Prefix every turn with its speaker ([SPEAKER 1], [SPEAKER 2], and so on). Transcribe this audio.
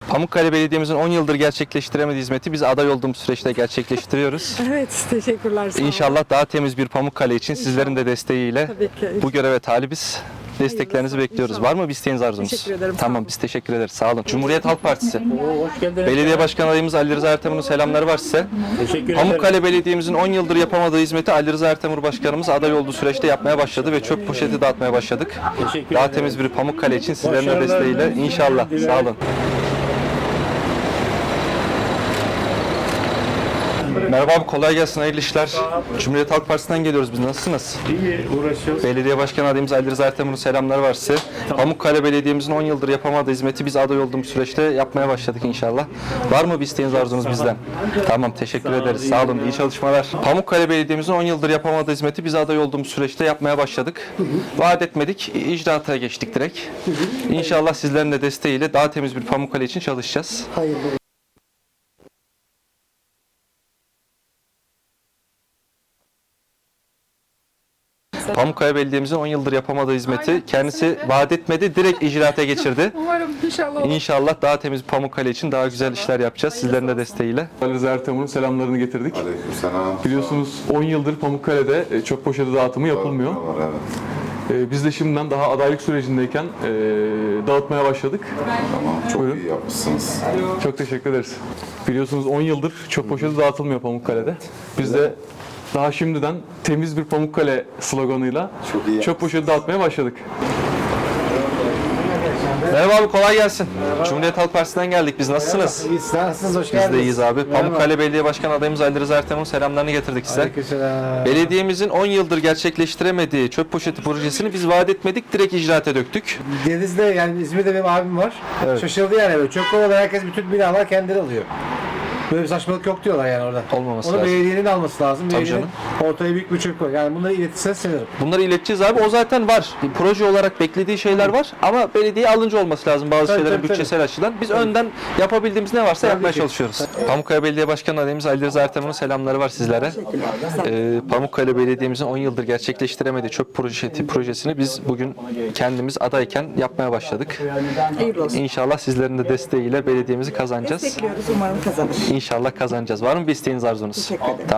[SPEAKER 1] Pamukkale Belediye'mizin 10 yıldır gerçekleştiremediği hizmeti biz aday olduğumuz süreçte gerçekleştiriyoruz.
[SPEAKER 2] Evet, teşekkürler. Sağ olun.
[SPEAKER 1] İnşallah daha temiz bir Pamukkale için sizlerin de desteğiyle
[SPEAKER 2] Tabii ki.
[SPEAKER 1] bu göreve talibiz. Desteklerinizi
[SPEAKER 2] Hayırlısı,
[SPEAKER 1] bekliyoruz.
[SPEAKER 2] inşallah.
[SPEAKER 1] Var mı bir isteğiniz, arzunuz?
[SPEAKER 2] Teşekkür ederim, sağ
[SPEAKER 1] Tamam,
[SPEAKER 2] olun.
[SPEAKER 1] biz teşekkür ederiz. Sağ olun. Cumhuriyet Halk Partisi.
[SPEAKER 3] Hoş geldiniz.
[SPEAKER 1] Belediye Başkan adayımız Ali Rıza Ertemur'un selamları var size.
[SPEAKER 3] Teşekkür ederim.
[SPEAKER 1] Pamukkale Belediye'mizin 10 yıldır yapamadığı hizmeti Ali Rıza Ertemur Başkanımız aday olduğu süreçte yapmaya başladı ve çöp poşeti dağıtmaya başladık.
[SPEAKER 3] Teşekkür
[SPEAKER 1] Daha
[SPEAKER 3] ederim.
[SPEAKER 1] temiz bir Pamukkale için sizlerin de
[SPEAKER 3] Başarılar
[SPEAKER 1] desteğiyle
[SPEAKER 3] dilerim.
[SPEAKER 1] inşallah.
[SPEAKER 3] Dilerim.
[SPEAKER 1] Sağ olun. Merhaba abi, kolay gelsin, hayırlı işler. Cumhuriyet Halk Partisi'nden geliyoruz biz. Nasılsınız?
[SPEAKER 3] İyi uğraşıyoruz.
[SPEAKER 1] Belediye Başkan adayımız Ali Rıza Ertemur'un selamları var size. Pamukkale Belediye'mizin 10 yıldır yapamadığı hizmeti biz aday olduğumuz süreçte yapmaya başladık inşallah. Var mı bir isteğiniz, arzunuz bizden? Tamam, teşekkür ederiz. Sağ olun, iyi çalışmalar. Pamukkale Belediye'mizin 10 yıldır yapamadığı hizmeti biz aday olduğumuz süreçte yapmaya başladık. Vaat etmedik, icraata geçtik direkt. İnşallah sizlerin de desteğiyle daha temiz bir Pamukkale için çalışacağız. Pamukkale Belediye'mizin 10 yıldır yapamadığı hizmeti kendisi vaat etmedi, direkt icraata geçirdi.
[SPEAKER 2] Umarım inşallah olur.
[SPEAKER 1] İnşallah daha temiz bir Pamukkale için daha güzel işler yapacağız sizlerin de desteğiyle.
[SPEAKER 4] Ali Rıza Ertemur'un selamlarını getirdik.
[SPEAKER 5] Aleykümselam.
[SPEAKER 4] Biliyorsunuz 10 yıldır Pamukkale'de çöp poşeti dağıtımı yapılmıyor.
[SPEAKER 5] Evet.
[SPEAKER 4] Biz de şimdiden daha adaylık sürecindeyken dağıtmaya başladık.
[SPEAKER 5] Tamam, çok
[SPEAKER 4] Buyurun.
[SPEAKER 5] iyi yapmışsınız.
[SPEAKER 4] Çok teşekkür ederiz. Biliyorsunuz 10 yıldır çöp poşeti dağıtılmıyor Pamukkale'de. Biz de daha şimdiden temiz bir Pamukkale sloganıyla
[SPEAKER 5] Çok iyi
[SPEAKER 4] çöp poşeti dağıtmaya başladık.
[SPEAKER 1] Merhaba abi, kolay gelsin. Cumhuriyet Halk Partisi'nden geldik biz. Nasılsınız?
[SPEAKER 6] İyiyiz, nasılsınız? Hoş
[SPEAKER 1] Biz
[SPEAKER 6] geldiniz.
[SPEAKER 1] de iyiyiz abi. Pamukkale Belediye Başkan adayımız Ali Rıza Ertemur'un selamlarını getirdik size.
[SPEAKER 6] Aleykümselam.
[SPEAKER 1] Belediyemizin 10 yıldır gerçekleştiremediği çöp poşeti projesini biz vaat etmedik, direkt icraata döktük.
[SPEAKER 6] Deniz'de yani İzmir'de benim abim var. Şaşırdı yani böyle. Çöp kovaları herkes bütün binalar kendileri alıyor. Böyle bir saçmalık yok diyorlar yani orada.
[SPEAKER 1] Olmaması
[SPEAKER 6] Onu
[SPEAKER 1] lazım.
[SPEAKER 6] belediyenin alması lazım.
[SPEAKER 1] Tabii
[SPEAKER 6] Belediyenin
[SPEAKER 1] canım.
[SPEAKER 6] ortaya büyük bir çöp koy. Yani bunları iletirseniz sevinirim.
[SPEAKER 1] Bunları ileteceğiz abi. O zaten var. Bir proje olarak beklediği şeyler var ama belediye alınca olması lazım bazı
[SPEAKER 6] Tabii,
[SPEAKER 1] şeylerin
[SPEAKER 6] tabii,
[SPEAKER 1] bütçesel açıdan. Biz önden yapabildiğimiz ne varsa yapmaya
[SPEAKER 6] ki.
[SPEAKER 1] çalışıyoruz. Pamukkale Belediye Başkanı adayımız Ali Rıza Ertemur'un selamları var sizlere. Pamukkale Belediye'mizin 10 yıldır gerçekleştiremediği çöp projesini biz bugün kendimiz adayken yapmaya başladık.
[SPEAKER 2] Hayırlı olsun.
[SPEAKER 1] İnşallah sizlerin de desteğiyle belediyemizi kazanacağız.
[SPEAKER 2] Bekliyoruz, umarım kazanır.
[SPEAKER 1] İnşallah kazanacağız. Var mı bir isteğiniz, arzunuz?
[SPEAKER 2] Teşekkür ederim.